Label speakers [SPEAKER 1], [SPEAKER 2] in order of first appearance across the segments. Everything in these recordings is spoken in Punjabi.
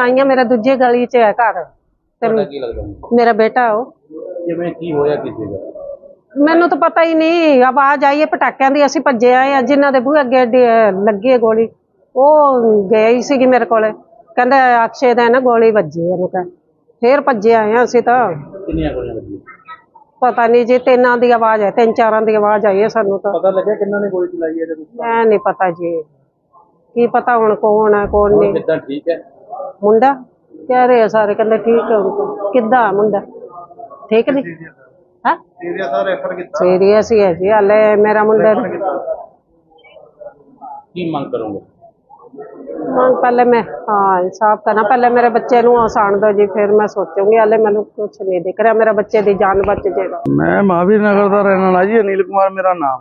[SPEAKER 1] आई हाँ, मेरा दूजे गली च है घर। मेरा बेटा हो। मैनू तो पता ही नहीं, आवाज आई है पटाखियां दी, असीं भज्जे आए आ। जिन्हां दे बूहे अगे लगी है गोली वो गई सी मेरे कोले, कहंदे अक्षय दा ना गोली वजी इहनूं कह, फिर भज्जे आए हैं असीं। तां पता नहीं जी, तीनां दी आवाज है, 3-4 दी आवाज आई है सानूं। तां
[SPEAKER 2] पता लग्या किन्हां ने गोली चलाई है?
[SPEAKER 1] मैं नहीं पता जी, की पता हुण कौन है कौन नहीं।
[SPEAKER 2] किद्दां ठीक है
[SPEAKER 1] मुंडा कह रहे हैं सारे, कहंदे ठीक है उनको। किद्दां मुंडा ठीक नहीं है, सीरियस ही है जी। हाले मेरा मुंडा
[SPEAKER 2] की मंग करोगे?
[SPEAKER 1] पहले मैं हाँ इंसाफ करना, पहले मेरे बच्चे नूं आसान दो जी, फिर मैं सोचूंगी। हाले मैनू कुछ नहीं दिख रहा, मेरा बच्चे दी जान बच जाएगा।
[SPEAKER 3] मैं महावीर नगर का रहने वाला जी, अनिल कुमार मेरा नाम।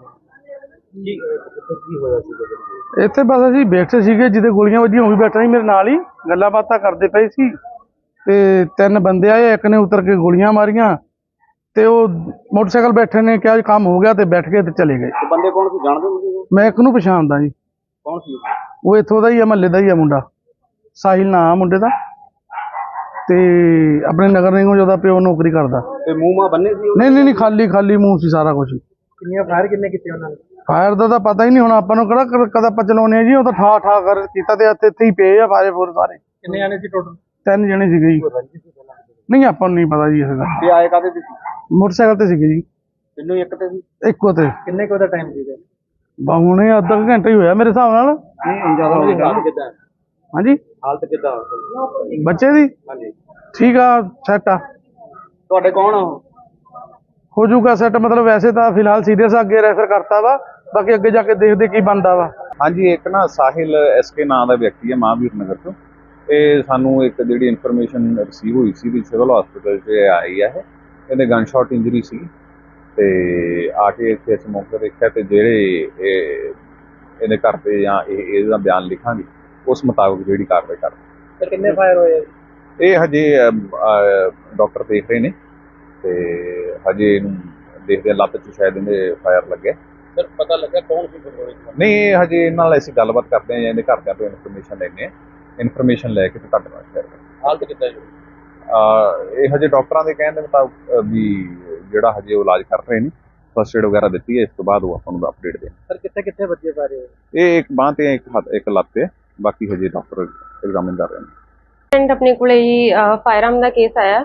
[SPEAKER 3] ਇੱਥੇ ਬਸ ਅਸੀਂ ਬੈਠੇ ਸੀਗੇ, ਜਿਹਦੇ ਗੋਲੀਆਂ ਵੱਜੀਆਂ ਉਹ ਵੀ ਬੈਠਾ ਸੀ ਮੇਰੇ ਨਾਲ ਹੀ, ਗੱਲਾਂ ਬਾਤਾਂ ਕਰਦੇ ਪਏ ਸੀ ਤੇ 3 ਬੰਦੇ ਆਏ, ਇੱਕ ਨੇ ਉਤਰ ਕੇ ਗੋਲੀਆਂ ਮਾਰੀਆਂ ਤੇ ਉਹ ਮੋਟਰਸਾਈਕਲ ਬੈਠੇ ਨੇ ਕਿਹਾ ਕੰਮ ਹੋ ਗਿਆ ਤੇ ਬੈਠ ਕੇ ਤੇ ਚਲੇ ਗਏ।
[SPEAKER 2] ਬੰਦੇ ਕੌਣ ਸੀ ਜਾਣਦੇ ਹੋ?
[SPEAKER 3] ਮੈਂ ਇੱਕ ਨੂੰ ਪਛਾਣਦਾ ਜੀ।
[SPEAKER 2] ਕੌਣ ਸੀ
[SPEAKER 3] ਉਹ ਇੱਥੋਂ ਦਾ ਹੀ ਆ, ਮਹੱਲੇ ਦਾ ਹੀ ਆ ਮੁੰਡਾ, ਸਾਹਿਲ ਨਾਂ ਆ ਮੁੰਡੇ ਦਾ, ਤੇ ਆਪਣੇ ਨਗਰ ਨਿਗਮ ਉਹਦਾ ਪਿਓ ਨੌਕਰੀ ਕਰਦਾ।
[SPEAKER 2] ਤੇ ਮੂੰਹ ਮਾ ਬੰਨੇ ਸੀ?
[SPEAKER 3] ਨਹੀਂ ਖਾਲੀ ਮੂੰਹ ਸੀ ਸਾਰਾ ਕੁਝ।
[SPEAKER 2] ਕਿੰਨੀਆਂ ਫਾਇਰ ਕਿੰਨੇ ਕੀਤੇ ਉਹਨਾਂ ਨੇ?
[SPEAKER 3] ਫਾਇਰ ਦਾ ਤਾਂ ਪਤਾ ਹੀ ਨਹੀਂ, ਹੁਣ ਆਪਾਂ ਨੂੰ ਕਿਹੜਾ ਕਦਾ ਆਪਾਂ ਚਲਾਉਣੇ ਆ ਜੀ। ਉਹ ਤਾਂ ਠਾ ਕਰ ਕੀਤਾ ਤੇ ਇੱਥੇ ਹੀ ਪਏ ਆ ਫਾਇਰ ਫੋਰ ਸਾਰੇ।
[SPEAKER 2] ਕਿੰਨੇ ਆਣੇ ਸੀ ਟੋਟਲ?
[SPEAKER 3] 3 ਜਣੇ ਸੀਗੇ ਜੀ। ਨਹੀਂ ਆਪਾਂ ਨੂੰ ਨਹੀਂ ਪਤਾ ਜੀ ਇਸ ਦਾ।
[SPEAKER 2] ਤੇ ਆਏ ਕਾਹਦੇ ਤੇ ਸੀ?
[SPEAKER 3] ਮੋਟਰਸਾਈਕਲ ਤੇ ਸੀਗੇ ਜੀ।
[SPEAKER 2] ਤਿੰਨੋਂ ਇੱਕ ਤੇ ਸੀ?
[SPEAKER 3] ਇੱਕੋ ਤੇ।
[SPEAKER 2] ਕਿੰਨੇ ਕੁ ਦਾ ਟਾਈਮ ਸੀਗਾ?
[SPEAKER 3] ਹੁਣੇ ਅੱਧਾ ਘੰਟਾ ਹੀ ਹੋਇਆ ਮੇਰੇ ਹਿਸਾਬ ਨਾਲ।
[SPEAKER 2] ਨਹੀਂ ਜ਼ਿਆਦਾ ਹੋ ਗਿਆ। ਕਿੱਦਾਂ
[SPEAKER 3] ਹਾਂਜੀ
[SPEAKER 2] ਹਾਲਤ ਕਿੱਦਾਂ
[SPEAKER 3] ਬੱਚੇ ਦੀ?
[SPEAKER 2] ਹਾਂਜੀ
[SPEAKER 3] ਠੀਕ ਆ, ਸੈੱਟ ਆ।
[SPEAKER 2] ਤੁਹਾਡੇ ਕੌਣ ਆ ਉਹ?
[SPEAKER 3] ਹੋ ਜੂਗਾ ਸੈੱਟ, ਮਤਲਬ ਵੈਸੇ ਤਾਂ ਫਿਲਹਾਲ ਸੀਰੀਅਸ ਆ, ਅੱਗੇ ਰੈਫਰ ਕਰਤਾ ਵਾ, ਬਾਕੀ ਅੱਗੇ ਜਾ ਕੇ ਦੇਖਦੇ ਕੀ ਬਣਦਾ ਵਾ।
[SPEAKER 4] ਹਾਂਜੀ, ਇੱਕ ਨਾ ਸਾਹਿਲ SK ਨਾਂ ਦਾ ਵਿਅਕਤੀ ਹੈ ਮਹਾਂਵੀਰ ਨਗਰ ਤੋਂ। ਇਹ ਸਾਨੂੰ ਇੱਕ ਜਿਹੜੀ ਇਨਫੋਰਮੇਸ਼ਨ ਰਿਸੀਵ ਹੋਈ ਸੀ ਵੀ ਸਿਵਲ ਹਸਪੀਟਲ 'ਚ ਆਈ ਹੈ, ਇਹਦੇ ਗਨ ਸ਼ਾਟ ਇੰਜਰੀ ਸੀ ਤੇ ਆ ਕੇ ਇੱਥੇ ਅਸੀਂ ਮੌਕੇ ਦੇਖਿਆ ਤੇ ਜਿਹੜੇ ਇਹਦੇ ਘਰ ਤੇ ਜਾਂ ਇਹਦਾ ਬਿਆਨ ਲਿਖਾਂਗੇ ਉਸ ਮੁਤਾਬਕ ਜਿਹੜੀ ਕਾਰਵਾਈ ਕਰਦੇ।
[SPEAKER 2] ਤੇ ਕਿੰਨੇ ਫਾਇਰ ਹੋਏ?
[SPEAKER 4] ਇਹ ਹਜੇ ਡਾਕਟਰ ਦੇਖ ਰਹੇ ਨੇ ਤੇ ਹਜੇ ਇਹਨੂੰ ਦੇਖਦੇ ਲੱਤ 'ਚ ਸ਼ਾਇਦ ਇਹਦੇ ਫਾਇਰ ਲੱਗਿਆ।
[SPEAKER 2] ਸਰ ਪਤਾ ਲੱਗਾ ਕੌਣ ਸੀ?
[SPEAKER 4] ਨਹੀਂ, ਇਹ ਹਜੇ ਇਹਨਾਂ ਨਾਲ ਅਸੀਂ ਗੱਲਬਾਤ ਕਰਦੇ ਹਾਂ ਜਾਂ ਇਹਦੇ ਘਰਦਿਆਂ ਤੋਂ ਇਨਫੋਰਮੇਸ਼ਨ ਲੈਂਦੇ ਹਾਂ। ਇਨਫੋਰਮੇਸ਼ਨ ਲੈ ਕੇ ਤੇ ਤੁਹਾਡੇ ਨਾਲ ਸ਼ੇਅਰ ਕਰਾਂਗੇ।
[SPEAKER 2] ਹਾਲਤ ਕਿੱਦਾਂ ਜੀ?
[SPEAKER 4] ਇਹ ਹਜੇ ਡਾਕਟਰਾਂ ਦੇ ਕਹਿਣ ਦੇ ਮੁਤਾਬਕ ਵੀ ਜਿਹੜਾ ਹਜੇ ਉਹ ਇਲਾਜ ਕਰ ਰਹੇ ਨੇ, ਫਸਟ ਏਡ ਵਗੈਰਾ ਦਿੱਤੀ ਹੈ, ਇਸ ਤੋਂ ਬਾਅਦ ਉਹ ਆਪਾਂ ਨੂੰ ਅਪਡੇਟ ਦੇਣ।
[SPEAKER 2] ਸਰ ਕਿੱਥੇ ਬੱਚੇ ਪਾ ਰਹੇ ਹੋ?
[SPEAKER 4] ਇਹ ਇੱਕ ਬਾਂਹ ਤੇ ਇੱਕ ਲੱਤ ਤੇ, ਬਾਕੀ ਹਜੇ ਡਾਕਟਰ ਐਗਜ਼ਾਮਿਨ ਕਰ ਰਹੇ ਨੇ।
[SPEAKER 5] अपने को फायरआर्म का केस आया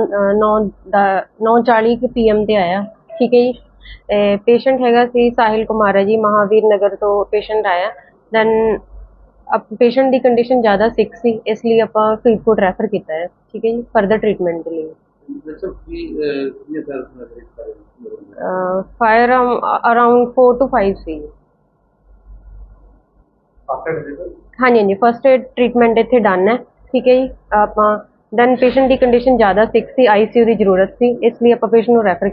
[SPEAKER 5] 9:40 PM ते आया। ठीक है जी। पेशेंट हैगा सी साहिल कुमार है जी, महावीर नगर तो पेशेंट आया। दैन पेशेंट की कंडीशन ज़्यादा सिक सी, इसलिए आप फरीदकोट रैफर किया है। ठीक है जी, फर्दर ट्रीटमेंट के लिए। फायरआर्म अराउंड 4 to 5 सी। हाँ जी, फर्स्ट एड ट्रीटमेंट इत्थे डन है। ठीक है जी। आप दैन पेशेंट की कंडीशन ज़्यादा सिक सी, ICU की जरूरत सी, इसलिए आप पेशेंट को रैफर